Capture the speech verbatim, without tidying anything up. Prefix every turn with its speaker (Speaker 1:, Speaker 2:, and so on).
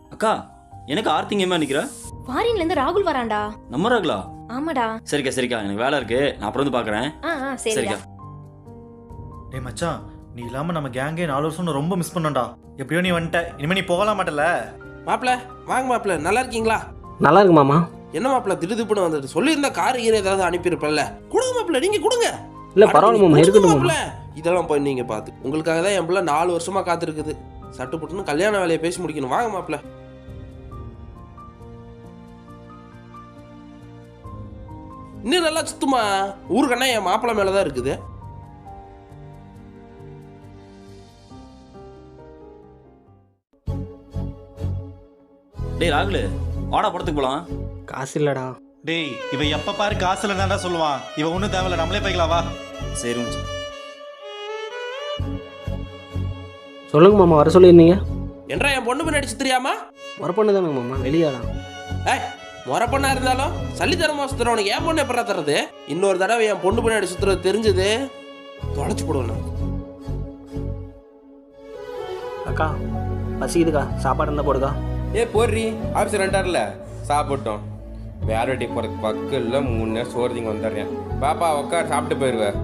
Speaker 1: அக்கா எனக்கு ஆர்த்திங்கம்மா நிக்கிற
Speaker 2: ஃபாரின்ல இருந்து ராகுல் வரான்டா.
Speaker 1: நம்ம ராகுலா?
Speaker 2: ஆமாடா.
Speaker 1: சரிக்கா சரிக்கா, எனக்கு வேலை இருக்கு, நான் அப்புறம் வந்து பாக்குறேன்.
Speaker 2: ஆ ஆ சரிடா.
Speaker 3: டேய் மச்சான், நீ இல்லாம நம்ம கேங்கே நாலு வருஷம் ரொம்ப மிஸ் பண்ணோம்டா. எப்படியோ நீ வந்துட்ட, இனிமே நீ போகலாம் மாட்டல.
Speaker 4: மாப்பிள வாங்க மாப்பிள, நல்லா இருக்கீங்களா?
Speaker 5: நல்லா இருக்கு மாமா.
Speaker 4: என்ன மாப்பிள திடுதிப்புன்னு வந்துட்டு சொல்லியிருந்தா கார் கீரை ஏதாவது அனுப்பியிருப்பல. கொடுங்க மாப்பிள, நீங்க கொடுங்க.
Speaker 5: இல்ல பரவாயில்ல மாமா, இருக்கட்டும் மாமா.
Speaker 4: இதெல்லாம் போய் நீங்க பார்த்து உங்களுக்காக தான் என் பிள்ளை நாலு வருஷமா காத்திருக்குது. சட்டு புட்டுன்னு கல்யாண வேலையை பேசி முடிக்கணும். வாங்க மாப்பிள. இன்னும் நல்லா சுத்துமா, ஊருக்கண்ணா என் மாப்பிள்ளை மேலதான் இருக்குது.
Speaker 1: டேய் ராகுல், வாடா படத்துக்கு போலாம்.
Speaker 5: காசு இல்லடா.
Speaker 3: டேய் இவ எப்ப பாரு காசு இல்லைன்னா சொல்லுவான். இவ ஒன்றும் தேவையில்ல, நம்மளே போய்க்கலாம் வா.
Speaker 1: சரி மச்சான்.
Speaker 5: சொல்லுங்க மாமா, வர சொல்லியிருந்தீங்க.
Speaker 4: என்றா என் பொண்ணு பின்னாடி சுத்துறியாமா?
Speaker 5: வர பொண்ணு தானே மாமா, வெளியாடா.
Speaker 4: ஏய் முறை பொண்ணா இருந்தாலும் சல்லித்தரமா சுத்துறவனுக்கு என் பொண்ணு எப்படா தர்றது? இன்னொரு தடவை என் பொண்ணு பின்னாடி சுத்துறது தெரிஞ்சது தொலைச்சு போடுவேன்.
Speaker 5: அக்கா பசிக்குதுக்கா, சாப்பாடு இருந்தால் போடுக்கா.
Speaker 6: ஏ போடுறி, ஆஃபீஸ் ரெண்டாரில் சாப்பிட்டோம். வேற வெட்டி போகிறதுக்கு பக்கம் இல்லை, மூணு நேரம் சோறு திங்க வந்துடுறேன். பாப்பா உட்கார், சாப்பிட்டு போயிடுவேன்.